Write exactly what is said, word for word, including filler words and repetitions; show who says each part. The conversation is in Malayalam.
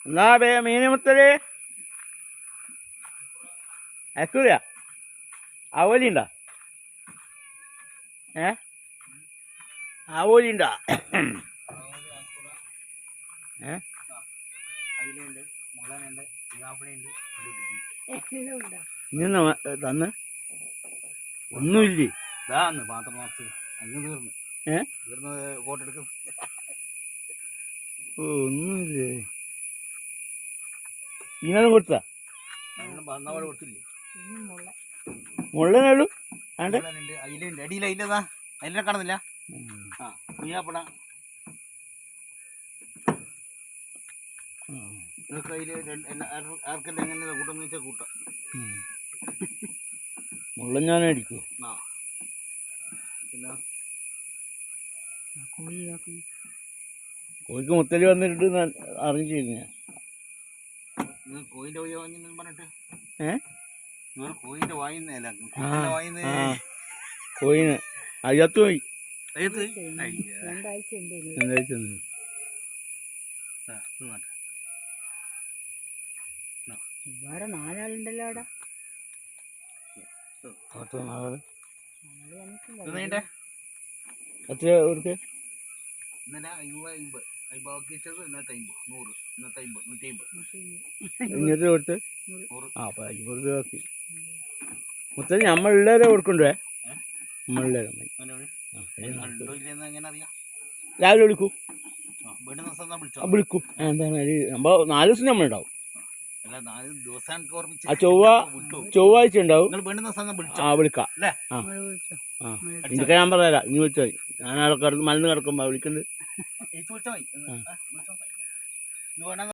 Speaker 1: എന്നാ ബേ മീനമുത്തല് അയക്കൂല ആവോലിണ്ടാ ഏ ആവോലിണ്ടാ ഏ ഇന്ന് തന്ന് ഒന്നുമില്ലേ
Speaker 2: പാത്രം നിറച്ച് അങ്ങ് തീർന്നു
Speaker 1: ഏ
Speaker 2: തീർന്നത് കോട്ടെടുക്കും.
Speaker 1: ഓ ഒന്നുമില്ലേ ഇങ്ങനെ കൊടുത്താ
Speaker 2: വന്നപാട് കൊടുത്തില്ലേ
Speaker 1: മുള്ളനേളൂ ആണ്ട്
Speaker 2: അയിലുണ്ട് അടിയിൽ അയിലതാ അയിലെ കാണുന്നില്ല. ആ കുയ്യാപ്പട നിങ്ങൾക്ക് അതിൽ ആർക്കെല്ലാം എങ്ങനെ കൂട്ടം വെച്ചാൽ കൂട്ടാം.
Speaker 1: മുള്ളൻ ഞാനേ അടിക്കൂ.
Speaker 2: ആ പിന്നെ
Speaker 1: കോഴിക്ക് മുത്തല് വന്നിട്ട് അറിഞ്ഞില്ല.
Speaker 2: നിങ്ങൾ കോയിൻ്റെ വഴി വാങ്ങി പറഞ്ഞിട്ട്
Speaker 1: ഏ
Speaker 2: നിങ്ങൾ കോയിൻ്റെ വായിന്നല്ല വായിന്ന്
Speaker 1: കോയിന് അയ്യത്ത് പോയി
Speaker 3: രണ്ടാഴ്ച
Speaker 1: രണ്ടാഴ്ച
Speaker 3: വേറെ നാലാളുണ്ടല്ലോ അവിടെ.
Speaker 1: എത്ര കൊടുക്ക
Speaker 2: ഇന്നലെ അയ്മ്പത് അമ്പത് ബാക്കി വെച്ചത് ഇന്നത്തെ അമ്പത് നൂറ് ഇന്നത്തെ അമ്പത് നൂറ്റി അമ്പത്
Speaker 1: ഇങ്ങനത്തെ കൊടുത്ത്
Speaker 2: നൂറ്
Speaker 1: ആ അപ്പം അമ്പത് രൂപ ആക്കി മുത്തല് നമ്മളുള്ളവരെ കൊടുക്കണ്ടേ നമ്മളുള്ളവരെ
Speaker 2: എങ്ങനെ അറിയാം
Speaker 1: രാവിലെ വിളിക്കൂ
Speaker 2: വിളിച്ചോ
Speaker 1: വിളിക്കും എന്താണ് നമ്മൾ നാല് ദിവസം നമ്മളുണ്ടാവും.
Speaker 2: അല്ല നാല് ദിവസം
Speaker 1: ആ ചൊവ്വ ചൊവ്വാഴ്ച ഉണ്ടാവും. ആ വിളിക്കാം ആ ആ എനിക്ക് ഞാൻ പറയാം ഇനി വിളിച്ചാൽ ഞാൻ അവിടെ കിടന്ന് മരുന്ന് കിടക്കുമ്പോൾ വിളിക്കുന്നുണ്ട്.